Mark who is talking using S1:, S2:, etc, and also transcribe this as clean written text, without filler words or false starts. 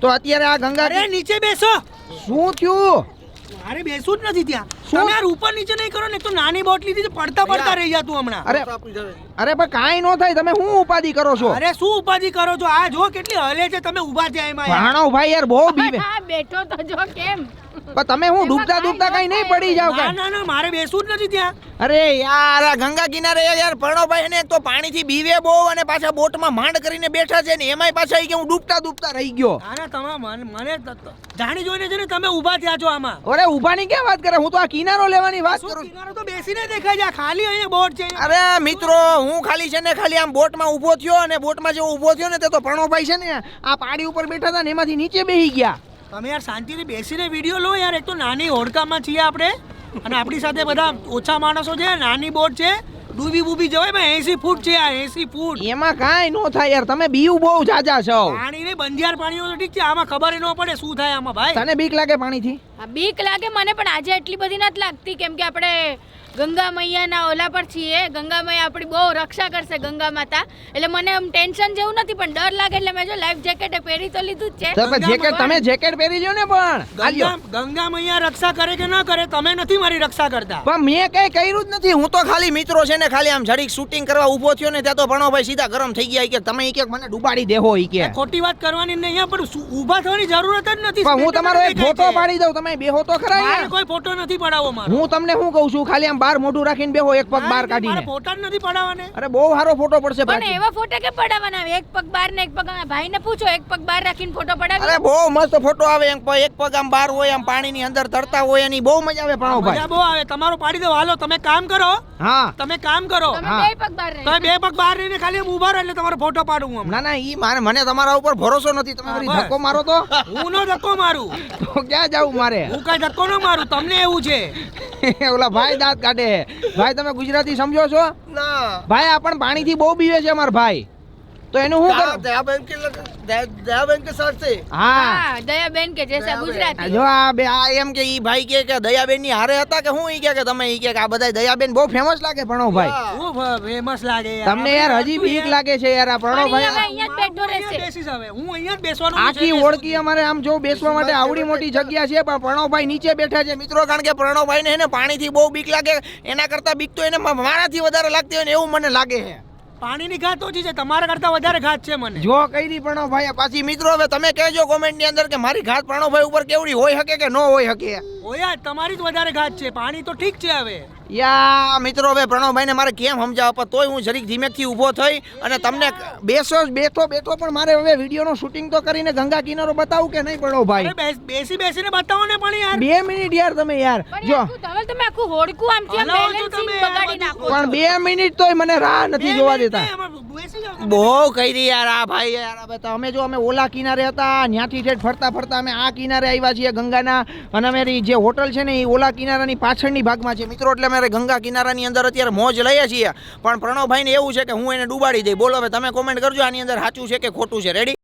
S1: તો અત્યારે આ ગંગા
S2: અરે નીચે બેસો.
S1: શું થયું?
S2: મારે બેસવું જ નથી ત્યાં. તમે યાર ઉપર નીચે નહીં કરો ને, તો નાની બોટ લીધી છે, પડતા રહી જા તું હમણાં.
S1: અરે પણ કાંઈ નો થાય, તમે શું ઉપાધિ કરો છો?
S2: અરે શું ઉપાધિ કરો છો? આ જો કેટલી હલે છે, તમે ઊભા થયા એમાં યાર.
S1: ભાણો ભાઈ યાર બહુ બીવે.
S3: હા બેઠો તો જો કેમ.
S1: પણ તમે હું ડૂબતા કઈ નહીં પડી જાવ
S2: ના
S1: કાંઈ?
S2: ના ના, મારે બેસવું જ નથી ત્યાં.
S1: અરે યાર આ ગંગા કિનારે યાર પ્રણવભાઈ ને એક તો પાણીથી બીવે બહુ અને પાછા બોટમાં માંડ કરીને બેઠા છે ને એમાંય પાછા ઈ કે હું ડૂબતા રહી ગયો.
S2: ના ના, તમે મને જાણી જોઈને છે ને તમે ઊભા થયા છો આમાં.
S1: અરે ઊભાની ક્યાં વાત કરે, હું તો આ કિનારો લેવાની વાત
S2: શું
S1: કરું.
S2: કિનારો તો બેસીને દેખાય છે, આ ખાલી અહીંયા બોટ છે.
S1: અરે મિત્રો હું ખાલી છે ને ખાલી આમ બોટમાં ઊભો થયો અને બોટમાં જેવો ઊભો થયો ને તે તો પ્રણવભાઈ છે ને આ પાડી ઉપર બેઠા હતા ને એમાંથી નીચે બેસી ગયા.
S2: તમે યાર શાંતિથી બેસીને વિડીયો લો યાર. એક તો નાની હોડકામાં છીએ આપણે અને આપણી સાથે બધા ઓછા માણસો છે, નાની બોટ છે, ડૂબી જવાય ભાઈ. 80 ફૂટ છે આ, 80 ફૂટ.
S1: એમાં કાંઈ નો થાય યાર, તમે બીયું બહુ જાજા છો.
S2: પાણી ને બંધિયાર પાણીઓ તો ઠીક છે, આમાં ખબર ન પડે શું થાય આમાં ભાઈ.
S1: તને બીક લાગે પાણીથી?
S3: હા બીક લાગે મને, પણ આજે એટલી બધી નથી લાગતી કેમ કે આપણે ગંગા મૈયાના ઓલા પર છીએ. ગંગા મૈયા આપણી બહુ રક્ષા કરશે, ગંગા માતા. એટલે મને આમ ટેન્શન જેવું નથી, પણ ડર લાગે એટલે મેં જો લાઈફ જેકેટ પહેરી તો લીધું જ છે.
S1: તો પણ જેકેટ તમે જેકેટ પહેરી લ્યો ને. પણ
S2: ગંગા મૈયા રક્ષા કરે કે ન કરે, તમે નથી મારી રક્ષા કરતા.
S1: પણ મેં કઈ કર્યું જ નથી. હું તો ખાલી મિત્રો છે ને ખાલી આમ જરીક શૂટિંગ કરવા ઊભો થયો ને ત્યાં તો ભણોભાઈ સીધા ગરમ થઈ ગયા કે તમે ઈ કે મને ડૂબાડી દેહો ઈ કે.
S2: ખોટી વાત કરવાની નહીં અહીંયા, પણ ઊભા થવાની જરૂરત જ નથી.
S1: પણ હું તમારો એક ફોટો પાડી દઉં, તમે બેહો તો ખરા યાર.
S2: કોઈ ફોટો નથી પડાવવો મારો.
S1: હું તમને શું કહું છું, ખાલી આમ બાર મોઢું રાખીને બેહો, એક પગ બહાર કાઢીને.
S2: ફોટા જ નથી પડાવવાને.
S1: અરે બહુ સારો ફોટો પડશે.
S3: પણ એવા ફોટા કે પડાવવાના? એક પગ બહાર ને એક પગ ભાઈને પૂછો, એક પગ બહાર રાખીને ફોટો પડાવી.
S1: અરે બહુ મસ્ત ફોટો આવે. એક પગ આમ બહાર હોય, આમ પાણીની અંદર તરતા હોય, એની બહુ મજા આવે. ભણોભાઈ
S2: મજા બહુ આવે. તમારો પાડી દો. હાલો તમે કામ કરો.
S1: હા
S2: તમે કામ કરો.
S3: તમે બે પગ બહાર
S2: તમે બે પગ બહાર રહીને ખાલી આમ ઊભા રહો એટલે તમારો ફોટો પાડું હું.
S1: ના ના ઈ મને તમારા ઉપર ભરોસો નથી. તમે વળી ધક્કો મારો તો
S2: હું નો ધક્કો મારું.
S1: તો ક્યાં જાવું મારે?
S2: હું કઈ ધક્કો ન મારું, તમને એવું છે.
S1: ઓલા ભાઈ દાંત કાઢે. ભાઈ તમે ગુજરાતી સમજો છો?
S4: ના
S1: ભાઈ આ પણ પાણીથી બહુ બીવે છે અમાર ભાઈ. તો એનું શું કરું?
S4: દયાબેન કે સાથ છે.
S1: હા
S3: દયાબેન કે જેસા ગુજરાતી.
S1: જો આ એમ કે ઈ ભાઈ કે દયાબેન ની હારે હતા કે હું ઈ કે તમે ઈ કે આ બધા દયાબેન બહુ ફેમસ લાગે ભણોભાઈ.
S2: હું ફેમસ લાગે યાર.
S1: તમને યાર હજી બીક લાગે છે યાર આ ભણોભાઈ?
S3: અહીંયા જ બેઠો રહેશે.
S2: બેસી જાવે. હું અહીંયા જ બેસવાનું છે.
S1: આખી ઓળખી અમારે આમ જો બેસવા માટે આવડી મોટી જગ્યા છે, પણ પ્રણવભાઈ નીચે બેઠા છે મિત્રો. કારણ કે પ્રણવભાઈ ને પાણીથી બહુ બીક લાગે. એના કરતા બીક તો એને મારાથી વધારે લાગતી હોય ને એવું મને લાગે છે.
S2: પાણીની ઘાત ઓછી છે, તમારા કરતા વધારે ઘાત છે મને.
S1: જો કઈ પ્રણવભાઈ પાછી મિત્રો હવે તમે કહેજો કોમેન્ટ ની અંદર કે મારી ઘાત પ્રણવભાઈ ઉપર કેવડી હોઈ શકે કે ન હોઈ શકે.
S2: ઓયા તમારી જ વધારે ઘાત છે. પાણી તો ઠીક છે હવે.
S1: યા મિત્રો હવે પ્રણવભાઈ ને મારે કેમ સમજાવવા, તોય હું જરીક ધીમેથી ઊભો થઈ અને તમને બેઠો પણ મારે હવે વિડીયો નું શૂટિંગ તો કરીને ગંગા કિનારો બતાવું કે નહીં પ્રણવભાઈ?
S2: અરે બેસીને બતાવો ને પણ યાર.
S1: 2 મિનિટ યાર તમે યાર. જો
S3: તમે આખું હોડકું આમથી આમ બેલેન્સિંગ બગાડી નાખો.
S1: પણ 2 મિનિટ તોય મને રાહ નથી જોવા દેતા. બહુ કરી યાર આ ભાઈ યાર. હવે તો અમે જો અમે ઓલા કિનારે હતા, ત્યાંથી ઠેઠ ફરતા અમે આ કિનારે આવ્યા છીએ ગંગાના. અને અમારી જે હોટલ છે ને એ ઓલા કિનારાની પાછળની ભાગમાં છે મિત્રો. એટલે અમારે ગંગા કિનારાની અંદર અત્યારે મોજ લઈએ છીએ. પણ પ્રણવભાઈને એવું છે કે હું એને ડૂબાડી દઈ. બોલો હવે તમે કોમેન્ટ કરજો આની અંદર સાચું છે કે ખોટું છે. રેડી?